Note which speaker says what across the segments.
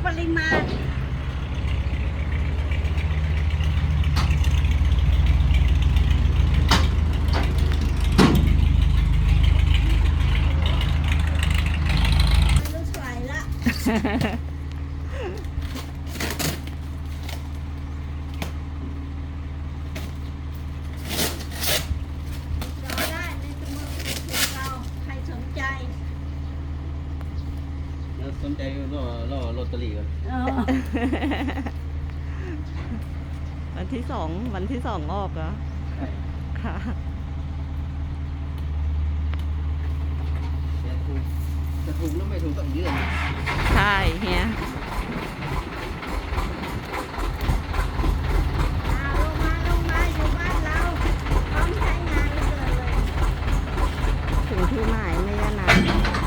Speaker 1: ปริมาณรู้สวยละ
Speaker 2: สนใจล่อลอตเตอรี่กัน
Speaker 3: วันที่สองออกเหรอค่ะ
Speaker 2: จะถูกหรือไม่ถูกต้องเยื่อ
Speaker 3: ใช่เฮีย
Speaker 1: ลงมาอยู่บ้านเราพร้อมใช้งานเลย
Speaker 3: ถึงที่หมายไม่นาน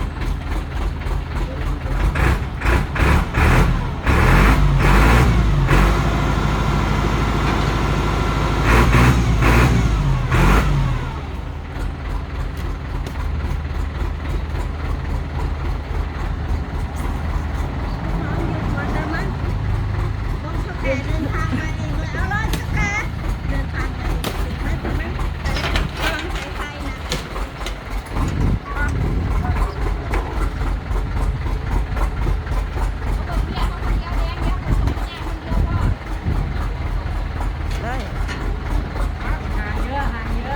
Speaker 1: เดินทางมาเองเลยเอาเลยสแกนเดินทางมาเองถึงไหมแต่กำลังใช้ไฟนะ
Speaker 3: ได้
Speaker 1: ห่างเยอะ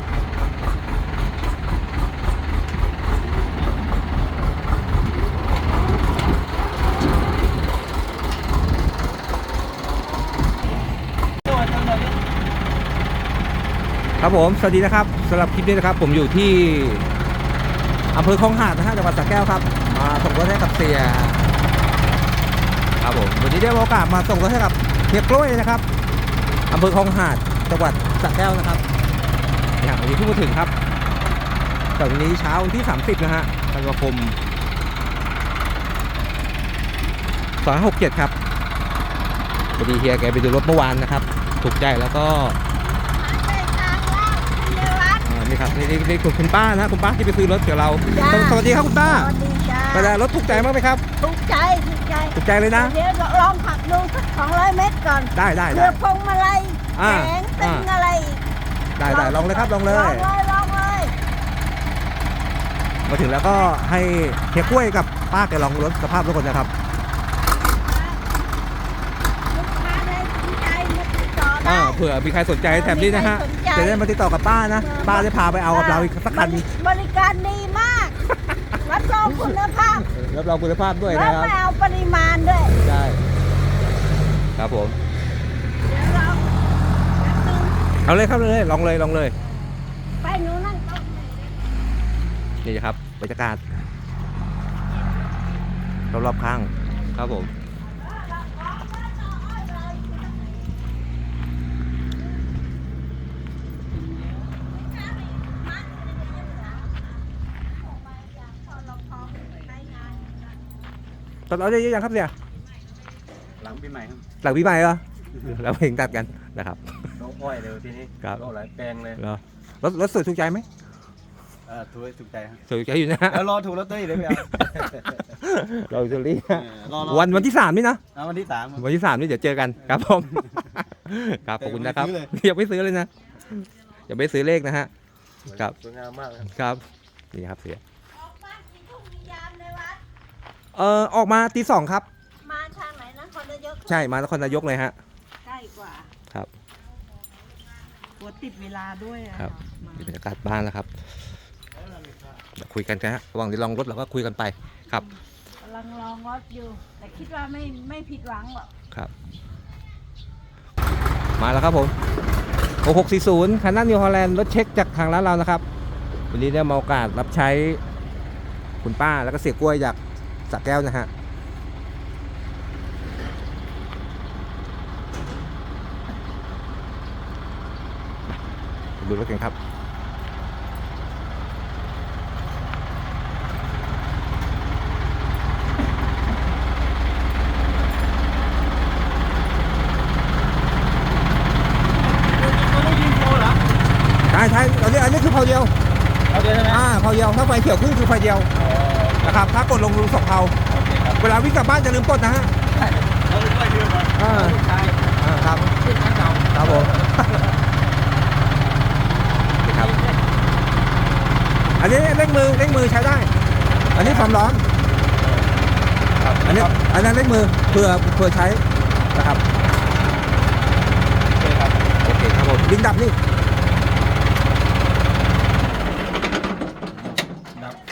Speaker 4: ครับผมสวัสดีนะครับสำหรับคลิปนี้นะครับผมอยู่ที่อำเภอคลองหาดนะฮะจังหวัดสระแก้วครับมาส่งรถให้กับเสียครับผมวันนี้ได้โอกาสมาส่งรถให้กับเฮียกล้วยนะครับอำเภอคลองหาดจังหวัดสระแก้วนะครับอย่างวันนี้เพิ่งมาถึงครับแต่วันนี้เช้าวันที่30นะฮะธันวาคม2567ครับพอดีเฮียแกไปดูรถเมื่อวานนะครับถูกใจแล้วก็นี่ครับนี่คุณป้านะคุณป้าที่ไปซื้อรถกับเราสวัสดีครับคุณป้า
Speaker 1: สวัสดีจ้า
Speaker 4: แต่รถถูกใจมากไหมครับ
Speaker 1: ถูกใจ
Speaker 4: ถูกใจเลยนะ
Speaker 1: เดี๋ยวลองขับดูสัก200 เมตรก่อน
Speaker 4: ได้
Speaker 1: เรือพวงมาลัยแสงตึงอะไรอีก
Speaker 4: ได้ลองเลยครับลองเลย
Speaker 1: ลองเลย
Speaker 4: มาถึงแล้วก็ให้เฮียกล้วยกับป้าแกลองรถสภาพรถก่อนนะครับ
Speaker 1: ลูกค้าได้สนใจมาติดต่อได้
Speaker 4: เผื่อมีใครสนใจแถมนี้นะฮะ
Speaker 1: มีใครสนใจ
Speaker 4: จะได้มาติดต่อกับป้านะป้าจะพาไปเอากับเราอีกสักคัน
Speaker 1: บริการดีมากรับรองคุณภาพ
Speaker 4: รับรองคุณภาพด้วย
Speaker 1: แล้ว
Speaker 4: นะครับ
Speaker 1: ไม่เอาปริมาณด้วย
Speaker 4: ได้ครับผม
Speaker 1: เดี๋ยวเราแป๊บนึง
Speaker 4: เอาเลยครับเลยลองเลย
Speaker 1: ไปหนูนั่งโต๊ะ
Speaker 4: นี่ครับบรรยากาศรอบๆข้างครับผมตอนเราได้เยอะยังครับเนี่ย
Speaker 2: หลังปีใหม่ครับ
Speaker 4: หลังปีใหม่เหรอเราเองตัดกันนะครับ
Speaker 2: น้องอ้อยเร็วทีนี้
Speaker 4: ครับ
Speaker 2: โลหลายแปลงเลย
Speaker 4: เหรอรถสวยถูกใจไหม
Speaker 2: ถูกใจครับ
Speaker 4: ถูกใจอยู่นะ
Speaker 2: แล้วรอถูกลอตเตอรี่เลยพี่เอา
Speaker 4: เราจะรีบ
Speaker 2: รอ
Speaker 4: วันที่3นี่นะ
Speaker 2: วันที่3
Speaker 4: วันที่3นี่เดี๋ยวเจอกันครับผม ครับขอบคุณนะครับอย่าไปซื้อเลยนะอย่าไปซื้อเลขนะฮะครับ
Speaker 2: สวยงามมากครับ
Speaker 4: ครับนี่ครับเสีย
Speaker 1: ออกบ้านกี่ทุ่มกี่ยามในวัด
Speaker 4: ออกมาตี 2ครับ
Speaker 1: มาทางไหนนะคนเยอะ
Speaker 4: ใช่มานครนายกเลยฮะ
Speaker 1: ใกล้กว่า
Speaker 4: ครับ
Speaker 3: กลัวติดเวลาด้วยอะ
Speaker 4: ครับนี่บรรยากาศบ้านแล้วครับเดี๋ยวคุยกันนะฮะระหว่างที่ลองรถเราก็คุยกันไปครับ
Speaker 1: กำลังลองรถอยู่ แต่คิดว่าไม่ผิดหวังหรอก
Speaker 4: ครับ มาแล้วครับผม6640คันนั้นนิวฮอลแลนด์รถเช็คจากทางร้านเรานะครับวันนี้ได้มาโอกาสรับใช้คุณป้าแล้วก็เสียกล้วยจากสระแก้วนะฮะดูรถกันครับใช่อันนี้คือเผาเดียว
Speaker 2: เอาเดียวใช่ไหม
Speaker 4: เผาเดียวถ้าไฟเขียวขึ้นคือไฟเดียวนะครับถ้ากดลงรูสองเผาเวลาวิ่งกลับบ้านจะลืมกดนะฮะ
Speaker 2: ลูกชาย
Speaker 4: ครับ
Speaker 2: ขึ้นข้างเก่า
Speaker 4: ครับผมนี่ครับอันนี้เร่งมือใช้ได้ อันนี้ความร้อนครับอันนั้นเร่งมือเพื่อใช้นะครับ
Speaker 2: โอเคครับ
Speaker 4: โอเคครับผมลิงดับนี่
Speaker 2: ดับ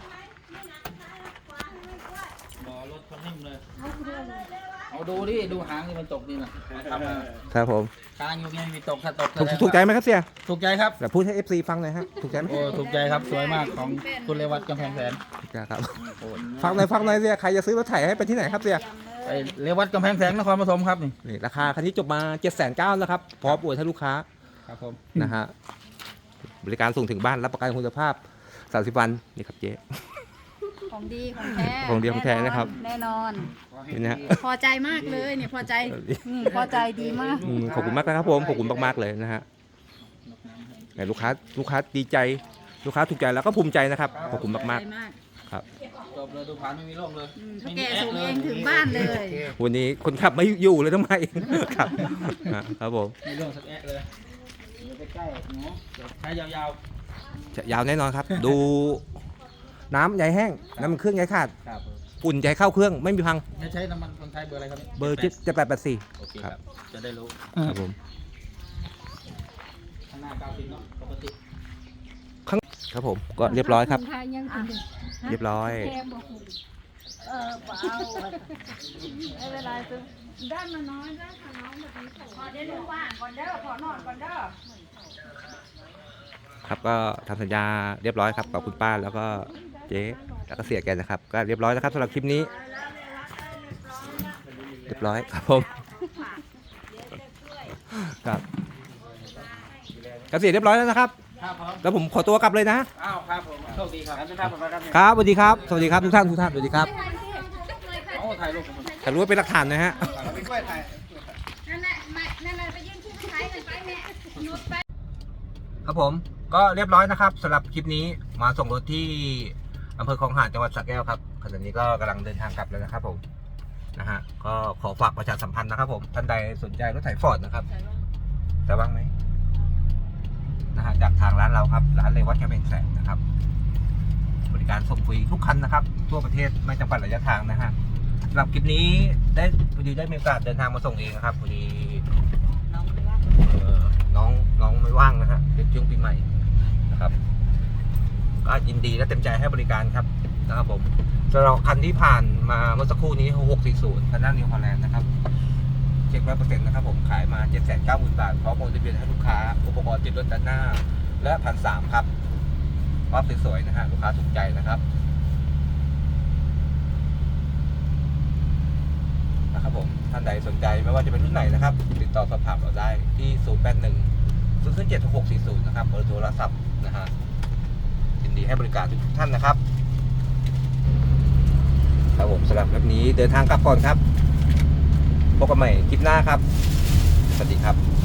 Speaker 2: หมอรถคนนิ่มเลยเอาดูดิดูหางที่มันตกนี่นะทำมา
Speaker 4: ครับผม
Speaker 2: กลางอยู่ไงมีตกถ้าตก
Speaker 4: ถูกใจไหมครับเสีย
Speaker 2: ถูกใจครับ
Speaker 4: เดี๋ยวพูดให้ FC ฟังหน่อยฮะถูกใจไหม
Speaker 2: โอ้ถูกใจครับสวยมากของคุณเรวัตกำแพงแสน
Speaker 4: ถูกใจครับฟังหน่อยเสียใครจะซื้อรถไถให้ไปที่ไหนครับเสีย
Speaker 2: ไอเรวัตกำแพงแสนนครปฐมครับนี่
Speaker 4: นี่ราคาคันนี้จบมา 790,000แล้วครับพร้อมอวยให้ลูกค้า
Speaker 2: ครับผม
Speaker 4: นะฮะบริการส่งถึงบ้านรับประกันคุณภาพ30 วันนี่ครับเจ๊
Speaker 1: ของดีของแท้
Speaker 4: ของดีของแท้นะครับ
Speaker 1: แน่นอน
Speaker 4: นี่นะฮะ
Speaker 1: พอใจมากเลยเนี่ยพอใจพอใจดีมาก
Speaker 4: ขอบคุณมากนะครับผมขอบคุณมากๆเลยนะฮะแต่ลูกค้าดีใจลูกค้าถูกใจแล้วก็ภูมิใจนะครับขอบคุณมาก
Speaker 1: ใจมาก
Speaker 4: ๆครับ
Speaker 2: จบเลยดูผ่านไม่มีร่องเลย
Speaker 1: ถ้าแกส่งเองถึงบ้านเลย
Speaker 4: วันนี้คนขับไม่อยู่เลยทำไมครับครับผม
Speaker 2: มีร่องสักแอะเลยเดี๋ยวไปใกล้หนูเดี๋ยวใช้ยาว
Speaker 4: จะยาวแน่นอนครับ ดูน้ำใยแห้งน้ำมันเครื่องใยขาด
Speaker 2: ๆครับ
Speaker 4: อุ่นใจเข้าเครื่องไม่มีพัง
Speaker 2: จะใช้น้ำมันคนไทยเบอร์อะไรครับ
Speaker 4: เบอร์7884
Speaker 2: โอเคครับจะได้รู้
Speaker 4: ครับผม
Speaker 2: ข้างหน้า90เนาะปกติ
Speaker 4: ครับผมก็เรียบร้อยครับ เรียบร้อย
Speaker 1: เปล่าไม่เป็นไรซื้อด้านมาน้อยด้านมาน้องแบบนี้ขอได้รู้ว่าก่อนเด้อขอนอนก่อนเด้อ
Speaker 4: ครับก็ทำสัญญาเรียบร้อยครับกับคุณป้าแล้วก็เจ๊แล้วก็เสียแกนะครับก็เรียบร้อยแล้วครับสำหรับคลิปนี้ เรียบร้อยครับผมครับก็เสียเรียบร้อยแล้วนะครับ
Speaker 2: ครับผม
Speaker 4: แล้วผมขอตัวกลับเลยนะ
Speaker 2: อ้าวครับผมโชคดีครับครับผมครับ
Speaker 4: ครับสวัสดีครับสวัสดีครับทุกท่านสวัสดีครับ
Speaker 2: โอ้ถ่ายรูปผม
Speaker 4: ถ่ายรูปไว้เป็นหลักฐานนะฮะ
Speaker 2: ไม่กล้วยถ่าย
Speaker 1: นั่นแหละนั่นแหละไปยื่นที่ใช้กันไปแม่หยุดไป
Speaker 4: ครับผมก็เรียบร้อยนะครับสำหรับคลิปนี้มาส่งรถที่อำเภอคลองหาดจังหวัดสระแก้วครับขณะนี้ก็กำลังเดินทางกลับแล้วนะครับผมนะฮะก็ขอฝากประชาสัมพันธ์นะครับผมท่านใดสนใจรถไถฟอร์ดนะครับจะว่างไหมนะฮะจากทางร้านเราครับร้านเลวัตกำแพงแสนนะครับบริการส่งฟรีทุกคันนะครับทั่วประเทศไม่จำกัดระยะทางนะฮะสำหรับคลิปนี้พอดีได้มีโอกาสเดินทางมาส่งเองนะครับพอดีน้องไม่ว่างนะฮะเป็นช่วงปีใหม่นะครับก็ยินดีและเต็มใจให้บริการครับนะครับผมสำหรับคันที่ผ่านมาเมื่อสักครู่นี้640คันหน้านิวฮอลแลนด์นะครับเช็ค100%นะครับผมขายมา 790,000 บาทพร้อมโอนทะเบียนให้ลูกค้าอุปกรณ์ติดรถด้านหน้าและ1,300ครับรอบสวยๆนะฮะลูกค้าถูกใจนะครับผมท่านใดสนใจไม่ว่าจะเป็นรุ่นไหนนะครับติดต่อสอบถามเราได้ที่081-007-640นะครับเบอร์โทรศัพท์นะฮะยินดีให้บริการทุกท่านนะครับครับผมสำหรับคลิปนี้เดินทางกลับก่อนครับพบกันใหม่คลิปหน้าครับสวัสดีครับ